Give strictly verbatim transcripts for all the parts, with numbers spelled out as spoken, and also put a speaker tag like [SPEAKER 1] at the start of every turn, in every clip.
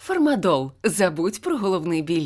[SPEAKER 1] Фармадол. Забудь про головний біль.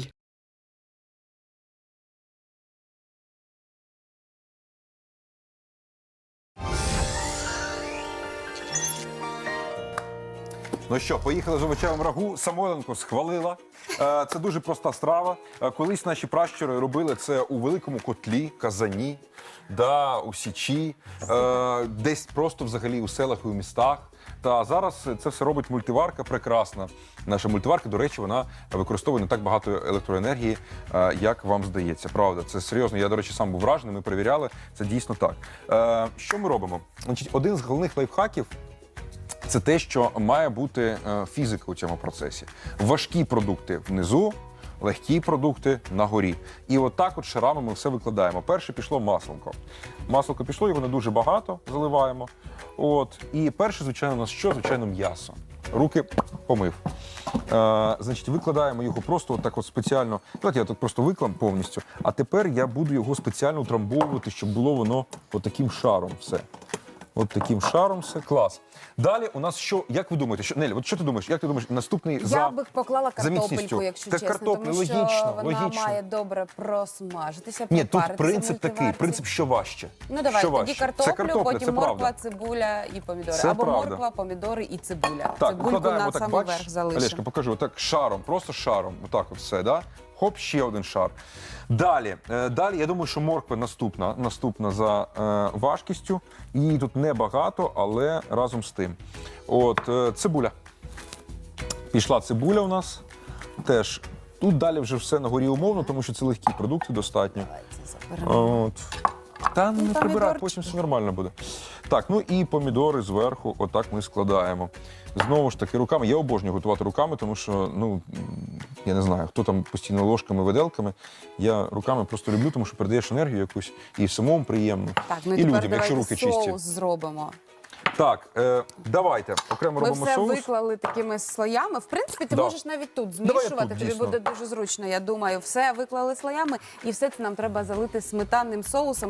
[SPEAKER 2] Ну що, поїхали з овочевим рагу. Самойленко схвалила. Е, Це дуже проста страва. Е, Колись наші пращури робили це у великому котлі, казані, да, у січі, е, десь просто взагалі у селах і у містах. Та зараз це все робить мультиварка прекрасна. Наша мультиварка, до речі, вона використовує не так багато електроенергії, е, як вам здається. Правда, це серйозно. Я, до речі, сам був вражений, ми перевіряли, це дійсно так. Е, Що ми робимо? Значить, один з головних лайфхаків – це те, що має бути е, фізика у цьому процесі. Важкі продукти внизу, легкі продукти на горі. І отак от шарами ми все викладаємо. Перше пішло маслинко. Маслинко пішло, його не дуже багато заливаємо. От. І перше, звичайно, у нас що? Звичайно, м'ясо. Руки помив. Е, значить, викладаємо його просто отак от спеціально. Давайте я тут просто виклам повністю. А тепер я буду його спеціально утрамбовувати, щоб було воно отаким шаром все. От таким шаром все. Клас. Далі у нас що, як ви думаєте, що, Нелі, от що ти думаєш, як ти думаєш, наступний за
[SPEAKER 3] Я би поклала картопельку,
[SPEAKER 2] міцністю?
[SPEAKER 3] якщо
[SPEAKER 2] Та
[SPEAKER 3] чесно,
[SPEAKER 2] картопля,
[SPEAKER 3] тому що
[SPEAKER 2] логічно,
[SPEAKER 3] вона
[SPEAKER 2] логічно.
[SPEAKER 3] має добре просмажитися,
[SPEAKER 2] Ні, тут
[SPEAKER 3] пропаритися в
[SPEAKER 2] принцип такий,
[SPEAKER 3] мультиварці.
[SPEAKER 2] принцип, що важче.
[SPEAKER 3] Ну давай,
[SPEAKER 2] що
[SPEAKER 3] тоді
[SPEAKER 2] важче?
[SPEAKER 3] картоплю,
[SPEAKER 2] це картопля,
[SPEAKER 3] потім
[SPEAKER 2] це
[SPEAKER 3] морква,
[SPEAKER 2] правда.
[SPEAKER 3] цибуля і помідори.
[SPEAKER 2] Це
[SPEAKER 3] Або
[SPEAKER 2] правда.
[SPEAKER 3] морква, помідори і цибуля.
[SPEAKER 2] Так,
[SPEAKER 3] Цибульку
[SPEAKER 2] викладаємо
[SPEAKER 3] на
[SPEAKER 2] так,
[SPEAKER 3] самий
[SPEAKER 2] бачиш,
[SPEAKER 3] верх залишимо.
[SPEAKER 2] Олешка, покажу, отак шаром, просто шаром, отак от все, да? Хоп, ще один шар. Далі, е, далі, я думаю, що морква наступна, наступна за е, важкістю. Її тут небагато, але разом з тим. От, е, цибуля. Пішла цибуля у нас теж. Тут далі вже все на горі умовно, тому що це легкі продукти достатньо.
[SPEAKER 3] Давайте заберемо.
[SPEAKER 2] От. Та не прибирай,
[SPEAKER 3] помідорчики.
[SPEAKER 2] потім все нормально буде. Так, ну і помідори зверху, отак ми складаємо. Знову ж таки, руками. Я обожнюю готувати руками, тому що, ну, я не знаю, хто там постійно ложками, виделками. Я руками просто люблю, тому що передаєш енергію якусь і самому приємно,
[SPEAKER 3] Так, ну
[SPEAKER 2] і
[SPEAKER 3] і тепер
[SPEAKER 2] людям, якщо
[SPEAKER 3] давайте
[SPEAKER 2] руки
[SPEAKER 3] соус
[SPEAKER 2] чисті.
[SPEAKER 3] зробимо.
[SPEAKER 2] Так, е, давайте окремо
[SPEAKER 3] Ми
[SPEAKER 2] робимо
[SPEAKER 3] все
[SPEAKER 2] соус.
[SPEAKER 3] виклали такими слоями. В принципі, ти
[SPEAKER 2] Да.
[SPEAKER 3] можеш навіть тут
[SPEAKER 2] Давай я
[SPEAKER 3] змішувати,
[SPEAKER 2] тут,
[SPEAKER 3] тобі
[SPEAKER 2] дійсно.
[SPEAKER 3] буде дуже зручно, я думаю. Все виклали слоями, і все це нам треба залити сметанним соусом.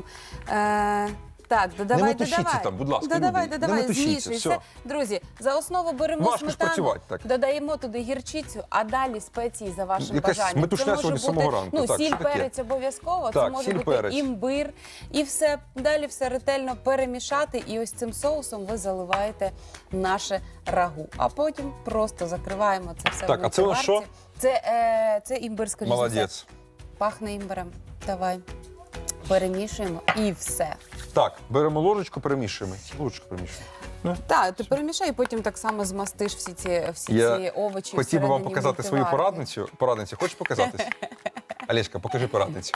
[SPEAKER 3] Е, так, додавай,
[SPEAKER 2] метушіться
[SPEAKER 3] додавай.
[SPEAKER 2] там, будь ласка,
[SPEAKER 3] Додавай,
[SPEAKER 2] люди, не
[SPEAKER 3] додавай,
[SPEAKER 2] метушіться,
[SPEAKER 3] змішуй.
[SPEAKER 2] все.
[SPEAKER 3] Все. Друзі, за основу беремо
[SPEAKER 2] Важко ж
[SPEAKER 3] сметану,
[SPEAKER 2] працювати так.
[SPEAKER 3] додаємо туди гірчицю, а далі спеції за вашим
[SPEAKER 2] Якась
[SPEAKER 3] бажанням.
[SPEAKER 2] метушня
[SPEAKER 3] Це може
[SPEAKER 2] сьогодні з
[SPEAKER 3] бути,
[SPEAKER 2] самого ранку.
[SPEAKER 3] ну,
[SPEAKER 2] Так,
[SPEAKER 3] сіль,
[SPEAKER 2] що таке?
[SPEAKER 3] перець обов'язково, це
[SPEAKER 2] Так,
[SPEAKER 3] може
[SPEAKER 2] сіль,
[SPEAKER 3] бути
[SPEAKER 2] перець.
[SPEAKER 3] імбир. І все, далі все ретельно перемішати, і ось цим соусом ви заливаєте наше рагу. А потім просто закриваємо це все
[SPEAKER 2] Так,
[SPEAKER 3] в
[SPEAKER 2] а це у нас
[SPEAKER 3] мультиварці.
[SPEAKER 2] що?
[SPEAKER 3] Це, е, це імбир, скоріше. за все.
[SPEAKER 2] Молодець.
[SPEAKER 3] Пахне імбирем. Давай. Перемішуємо і все.
[SPEAKER 2] Так, беремо ложечку, перемішуємо. Ложечку перемішуємо.
[SPEAKER 3] Так, ти перемішай, і потім так само змастиш всі ці, всі
[SPEAKER 2] Я
[SPEAKER 3] ці овочі.
[SPEAKER 2] Хотів би вам
[SPEAKER 3] всередині
[SPEAKER 2] показати свою
[SPEAKER 3] мультиварки.
[SPEAKER 2] порадницю. Порадницю, хочеш показатись? Олешка, покажи порадницю.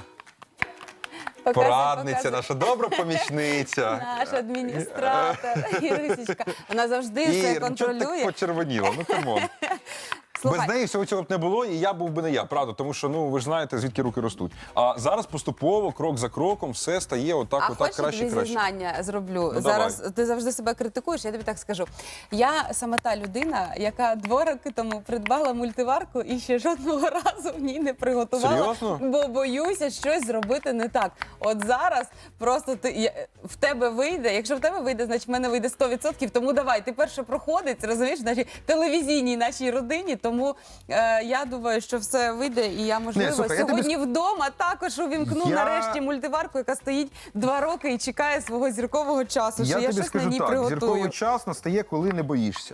[SPEAKER 3] Показуй,
[SPEAKER 2] Порадниця,
[SPEAKER 3] показуй.
[SPEAKER 2] наша добра помічниця.
[SPEAKER 3] Наш адміністратор, Ірусічка. Вона завжди все
[SPEAKER 2] І чого ти
[SPEAKER 3] контролює.
[SPEAKER 2] так почервоніла? Ну, камон.
[SPEAKER 3] Слухай,
[SPEAKER 2] Без неї всього цього б не було, і я був би не я, правда, тому що, ну, ви ж знаєте, звідки руки ростуть. А зараз поступово, крок за кроком, все стає отак,
[SPEAKER 3] а
[SPEAKER 2] отак,
[SPEAKER 3] хочеш,
[SPEAKER 2] краще,
[SPEAKER 3] тобі
[SPEAKER 2] краще.
[SPEAKER 3] зізнання зроблю?
[SPEAKER 2] Ну,
[SPEAKER 3] Зараз
[SPEAKER 2] давай.
[SPEAKER 3] ти завжди себе критикуєш, я тобі так скажу. Я саме та людина, яка два роки тому придбала мультиварку і ще жодного разу в ній не приготувала.
[SPEAKER 2] Серйозно?
[SPEAKER 3] Бо боюся щось зробити не так. От зараз просто ти, я- в тебе вийде, якщо в тебе вийде, значить в мене вийде сто відсотків, тому давай, ти перше проходить, розумієш, в нашій телевізійній нашій родині, тому е, я думаю, що все вийде, і я, можливо,
[SPEAKER 2] Ні, слухай, я тобі
[SPEAKER 3] сьогодні вдома також увімкну
[SPEAKER 2] Я-
[SPEAKER 3] нарешті мультиварку, яка стоїть два роки і чекає свого зіркового часу, що я,
[SPEAKER 2] тобі
[SPEAKER 3] щось
[SPEAKER 2] скажу
[SPEAKER 3] на ній
[SPEAKER 2] так,
[SPEAKER 3] приготую.
[SPEAKER 2] зірковий час настає, коли не боїшся.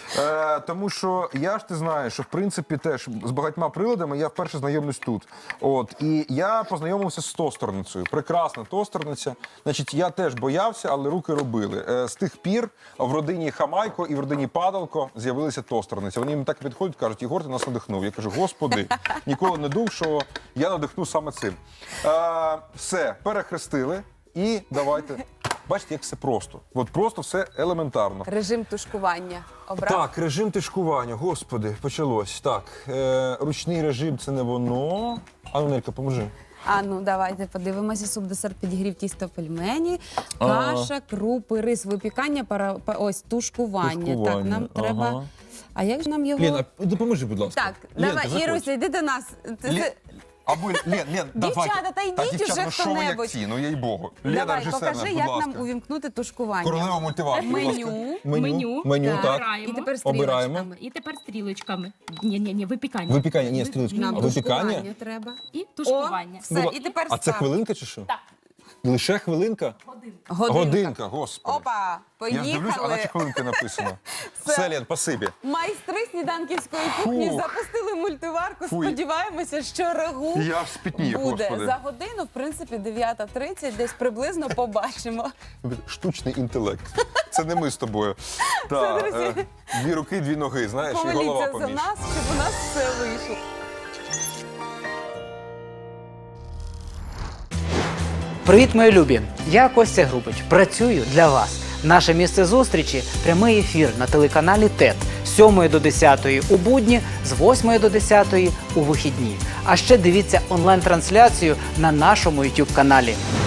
[SPEAKER 2] Е, тому що я ж ти знаєш, що в принципі теж з багатьма приладами я вперше знайомлюсь тут. От, і я познайомився з тостерницею. Прекрасна тостерниця. Значить, я теж боявся, але руки робили. Е, з тих пір в родині Хамайко і в родині Падалко з'явилися тостерниці. Вони мені так підходять, кажуть, Єгор, ти нас надихнув. Я кажу, господи, ніколи не думав, що я надихну саме цим. Е, все, перехрестили і давайте. Бачите, як все просто. От просто все елементарно.
[SPEAKER 3] Режим тушкування обрав.
[SPEAKER 2] Так, режим тишкування, господи, почалось. Так, е, ручний режим це не воно. А ну, Нелька, поможи.
[SPEAKER 3] А ну давайте подивимося. Суп, десерт, підігрів, тісто, пельмені,
[SPEAKER 2] Ага.
[SPEAKER 3] каша, крупи, рис, випікання, пара, па- ось тушкування. Так,
[SPEAKER 2] Тушкування,
[SPEAKER 3] нам треба.
[SPEAKER 2] ага.
[SPEAKER 3] А як ж нам його?
[SPEAKER 2] Ліна, допоможи, будь ласка.
[SPEAKER 3] Так,
[SPEAKER 2] Ленка,
[SPEAKER 3] давай,
[SPEAKER 2] заходь.
[SPEAKER 3] Іруся, йди до нас. Ти,
[SPEAKER 2] Лі-
[SPEAKER 3] це-
[SPEAKER 2] Або Лен, Лен, давай.
[SPEAKER 3] Дівчата, та йдіть
[SPEAKER 2] дівчата,
[SPEAKER 3] уже
[SPEAKER 2] ну що ви як
[SPEAKER 3] хто-небудь.
[SPEAKER 2] ці, ну їй богу. Лена,
[SPEAKER 3] Давай,
[SPEAKER 2] режисер
[SPEAKER 3] покажи,
[SPEAKER 2] наш, будь
[SPEAKER 3] як
[SPEAKER 2] ласка.
[SPEAKER 3] нам увімкнути тушкування.
[SPEAKER 2] Королева мультиварки, будь ласка.
[SPEAKER 3] Меню.
[SPEAKER 2] Меню, меню,
[SPEAKER 3] Так.
[SPEAKER 2] так.
[SPEAKER 4] Обираємо.
[SPEAKER 3] І тепер
[SPEAKER 2] Обираємо.
[SPEAKER 3] стрілочками.
[SPEAKER 4] І тепер стрілочками. Ні, ні, ні, випікання.
[SPEAKER 2] Випікання, ні, стрілочки.
[SPEAKER 3] Нам
[SPEAKER 2] А випікання?
[SPEAKER 3] тушкування треба.
[SPEAKER 4] І тушкування.
[SPEAKER 3] О, все,
[SPEAKER 2] Була-
[SPEAKER 3] і тепер
[SPEAKER 2] А це
[SPEAKER 3] став.
[SPEAKER 2] хвилинка чи що?
[SPEAKER 4] Так.
[SPEAKER 2] Лише хвилинка?
[SPEAKER 3] Годинка.
[SPEAKER 2] Годинка, господи.
[SPEAKER 3] Опа,
[SPEAKER 2] Я ж дивлюсь, а
[SPEAKER 3] поїхали.
[SPEAKER 2] наче хвилинка написано. Все, Лен, спасибі.
[SPEAKER 3] Майстри сніданківської кухні
[SPEAKER 2] Фу.
[SPEAKER 3] запустили мультиварку.
[SPEAKER 2] Фу.
[SPEAKER 3] Сподіваємося, що рагу
[SPEAKER 2] Я аж спітнів,
[SPEAKER 3] буде.
[SPEAKER 2] господи.
[SPEAKER 3] За годину, в принципі, дев'ята тридцять, десь приблизно побачимо.
[SPEAKER 2] Штучний інтелект. Це не ми з тобою. Та,
[SPEAKER 3] друзі.
[SPEAKER 2] е, дві руки, дві ноги, знаєш, і голова
[SPEAKER 3] Помоліться за
[SPEAKER 2] поміж.
[SPEAKER 3] нас, щоб у нас все вийшло.
[SPEAKER 5] Привіт, мої любі! Я Костя Грубич. Працюю для вас. Наше місце зустрічі – прямий ефір на телеканалі ТЕТ з сьомої до десятої у будні, з восьмої до десятої у вихідні. А ще дивіться онлайн-трансляцію на нашому ютуб каналі.